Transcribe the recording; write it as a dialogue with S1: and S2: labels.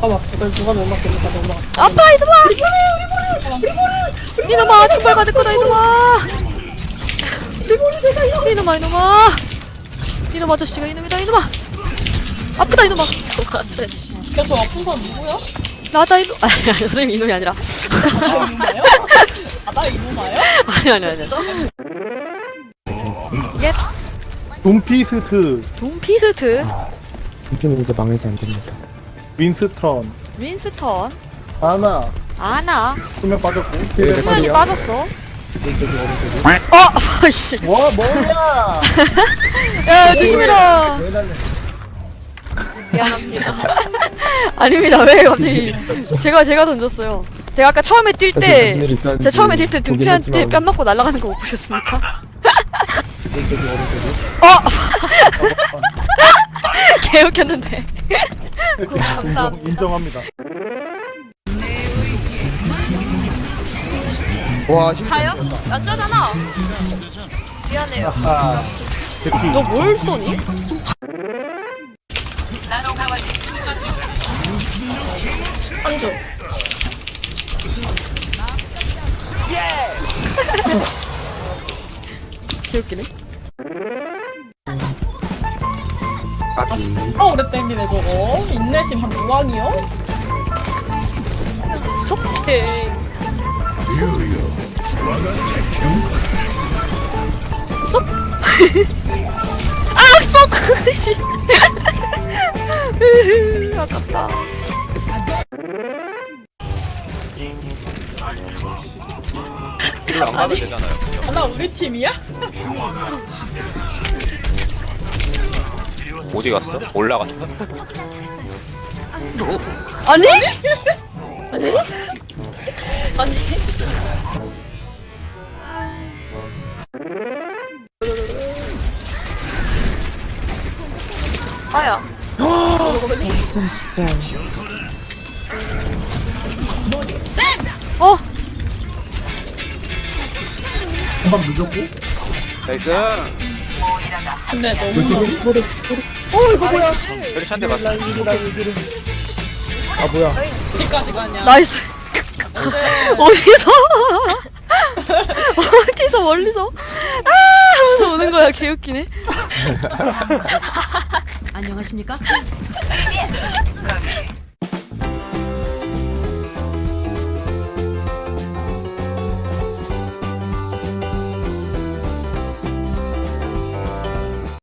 S1: 봐봐, 이걸 누가 못 맞겠니까 못 막았어.
S2: 아빠 이놈아! 이놈아 천벌 받을 거다 이놈아! 이놈아 이놈아! 이놈 아저씨가 이놈이다 이놈아! 아프다 이놈아!
S1: 계속 아픈 사람 누구야?
S2: 나다 이놈 아니야 선생님 이놈이 아니라
S1: 나 이놈아요? 나 이놈아요?
S2: 아니 예
S3: 돈피스트,
S2: 돈피스트
S4: 이쯤은 이제 망해서 안 됩니다.
S3: 윈스턴,
S2: 윈스턴
S3: 아나,
S2: 아나
S3: 수면 빠졌고.
S2: 수면이 빠졌어 아씨
S3: 와, 뭐야!
S2: 야 조심해라
S1: 미안합니다.
S2: 아닙니다 왜 갑자기 제가 던졌어요 제가 아까 처음에 뛸 때 제가 처음에 뛸 때 등피한테 뺨 맞고 날아가는 거 못 보셨습니까? 개웃겼는데
S3: 인정합니다.
S4: 와,
S1: 가요? 낮자잖아. 미안해요.
S3: 아, 대피.
S2: 너 뭘 쏘니?
S1: 한조.
S2: 개웃기네
S1: 아, 오래 땡기네, 저거. 인내심 한 무왕이요?
S2: 쏙
S1: 오케이.
S2: 쏙! 아! 쏙! 씨. 아깝다
S5: 딜을 안 받아도 되잖아요.
S1: 아, 나 우리 팀이야?
S5: 어디 갔어? 올라갔어?
S2: 아니?
S1: 아니. 아야.
S2: 어!
S3: 한번 늦었고.
S5: 나이스!
S1: 근데 너무.
S5: 페리시 한대 맞았어.
S3: 아, 뭐야.
S1: 어디까지 가냐?
S2: 나이스 어디서 어디서 멀리서 하면서 오는 거야 개웃기네
S6: 안녕하십니까?